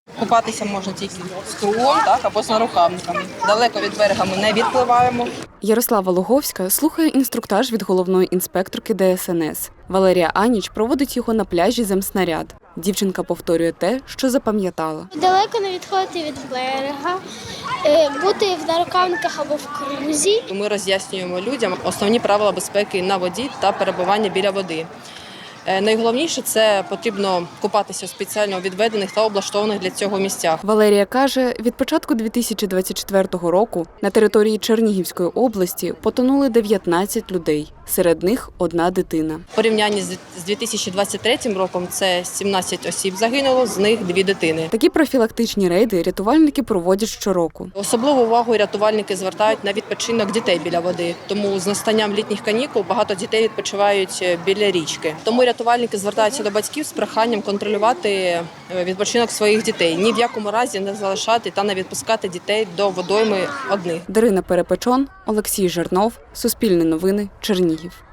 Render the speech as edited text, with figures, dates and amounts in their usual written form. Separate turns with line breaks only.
Купатися можна тільки з кругом, так, або з нарукавниками. Далеко від берега ми не відпливаємо.
Ярослава Луговська слухає інструктаж від головної інспекторки ДСНС. Валерія Аніч проводить його на пляжі Земснаряд. Дівчинка повторює те, що запам'ятала.
Далеко не відходити від берега, бути в нарукавниках або в крузі.
Ми роз'яснюємо людям основні правила безпеки на воді та перебування біля води. Найголовніше – це потрібно купатися в спеціально відведених та облаштованих для цього місцях.
Валерія каже, від початку 2024 року на території Чернігівської області потонули 19 людей. Серед них одна дитина.
В порівнянні з 2023 роком це 17 осіб загинуло, з них 2 дитини.
Такі профілактичні рейди рятувальники проводять щороку.
Особливу увагу рятувальники звертають на відпочинок дітей біля води. Тому з настанням літніх канікул багато дітей відпочивають біля річки. Тому рятувальники звертаються до батьків з проханням контролювати відпочинок своїх дітей. Ні в якому разі не залишати та не відпускати дітей до водойми одних.
Дарина Перепечон, Олексій Жернов, Суспільне новини, Чернігів.